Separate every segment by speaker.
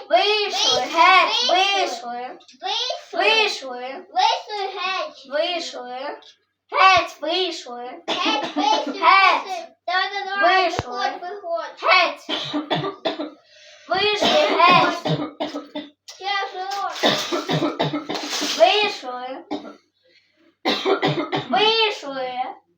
Speaker 1: Вийшли, геть, вийшли. Вийшли. Вийшли. Геть, вийшли. Геть. Вийшли. Геть. Вийшли, геть. Вийшли. Вийшли.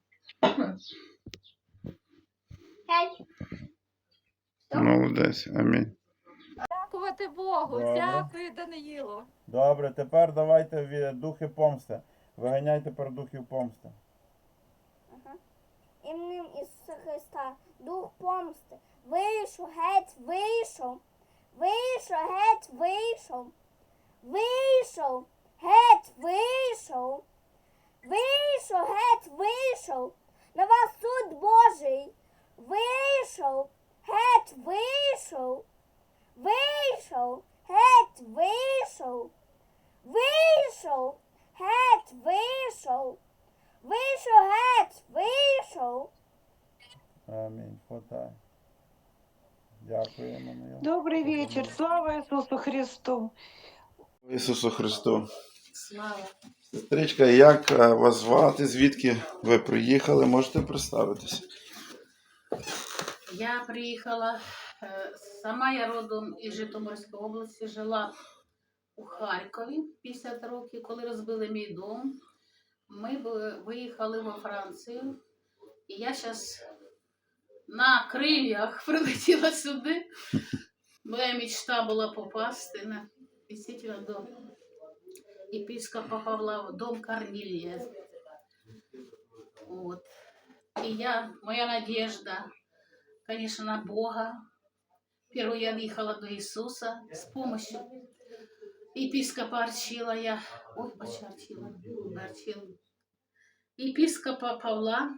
Speaker 1: Геть.
Speaker 2: Молодець, амінь.
Speaker 3: Дякувати Богу,
Speaker 4: Добре.
Speaker 3: дякую, Даниїлу.
Speaker 4: Добре, тепер давайте духи помсти. Виганяй тепер духів помсти.
Speaker 1: Іменем Ісуса Христа, дух помсти, вийшов, геть, вийшов, вийшов, геть, вийшов, вийшов, геть, вийшов, вийшов, геть, вийшов, на вас суд Божий, вийшов, геть, вийшов, вийшов, геть, вийшов, вийшов, геть, вийшов. Вийшов, геть, вийшов.
Speaker 4: Амінь. Хватай. Дякуємо.
Speaker 3: Добрий вечір, слава Ісусу Христу.
Speaker 2: Ісусу Христу.
Speaker 3: Слава.
Speaker 2: Сестричка, як вас звати? Звідки ви приїхали? Можете представитися?
Speaker 5: Я приїхала, сама я родом із Житомирської області, жила у Харкові 50 років, коли розбили мій дом. Ми виїхали во Францію, і я зараз на крилях прилетіла сюди. Моя мечта була попасти дійсно до єпископа Павла в дом Корнілія. От. І моя надежда, конечно, на Бога. Первую я въехала до Иисуса с помощью епископа Арчила. Епископа Павла.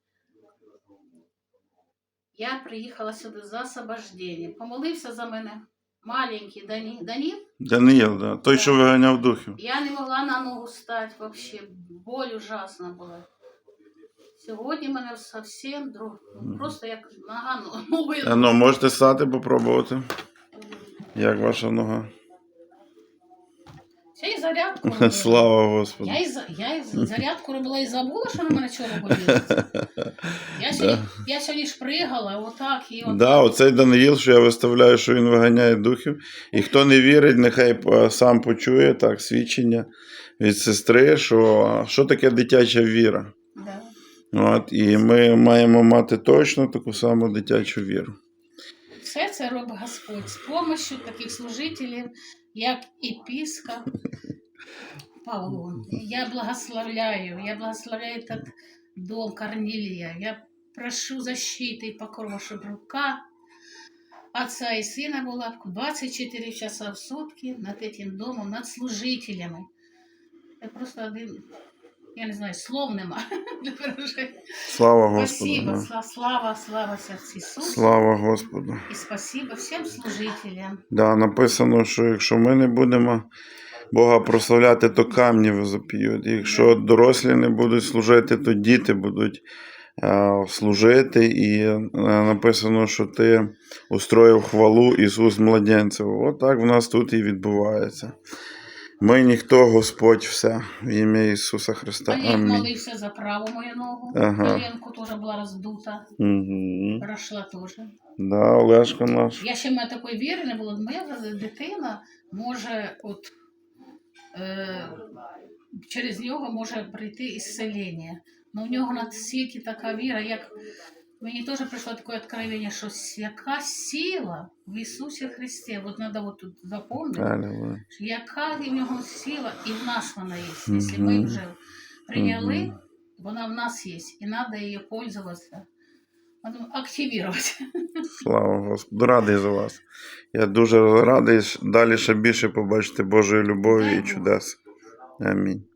Speaker 5: Я приїхала сюди за освобождение. Помолився за мене маленький Даніл.
Speaker 2: Даниїл, да. Той, що виганяв духів.
Speaker 5: Я не могла на ногу стати вообще. Боль ужасна була. Сьогодні в мене зовсім просто як нога новою.
Speaker 2: Ну, можете стати, попробувати. Як ваша нога?
Speaker 5: Я і зарядку робила.
Speaker 2: Слава Господу.
Speaker 5: Я і зарядку робила і забула, що на мене чого болить. Я сьогодні ж пригала, отак і отак.
Speaker 2: Да, оцей Даниїл, що я виставляю, що він виганяє духів. І хто не вірить, нехай сам почує так свідчення від сестри, що таке дитяча віра.
Speaker 5: Да.
Speaker 2: От, і ми маємо мати точно таку саму дитячу віру.
Speaker 5: Все це робить Господь з допомогою таких служителів, як епископ Павло. Я благословляю этот дом Корнилия. Я прошу защиты и покрова, чтобы рука отца и сына была 24 часа в сутки над этим домом, над служителями. Я просто один, я не знаю, слов нема.
Speaker 2: Слава Господу.
Speaker 5: Спасибо,
Speaker 2: Да.
Speaker 5: слава сердцу Ісусу.
Speaker 2: Слава Господу.
Speaker 5: І спасибо всім служителям.
Speaker 2: Да, написано, що якщо ми не будемо Бога прославляти, то камні возоп'ють. Якщо дорослі не будуть служити, то діти будуть служити. І написано, що ти устроїв хвалу Ісус младенців. От так в нас тут і відбувається. Ми ніхто, Господь все. В ім'я Ісуса Христа.
Speaker 5: Олег
Speaker 2: Амінь.
Speaker 5: молився за праву мою ногу.
Speaker 2: Ага.
Speaker 5: Коленку теж була роздута.
Speaker 2: Угу.
Speaker 5: Прошла теж.
Speaker 2: Да, Олешко наш.
Speaker 5: Я ще в мене такої віри не було. Моя дитина може через нього може прийти ісцелення. Но в нього на світі така віра, як мені теж прийшло таке відкровення, що яка сила в Ісусі Христі. От треба тут запам'ятати, яка в нього сила і в нас вона є. Якщо ми вже прийняли, вона в нас є, і треба її пользуватися. Активувати.
Speaker 2: Слава Господу. Радий за вас. Я дуже радий далі ще більше побачити Божої любові і чудес. Амінь.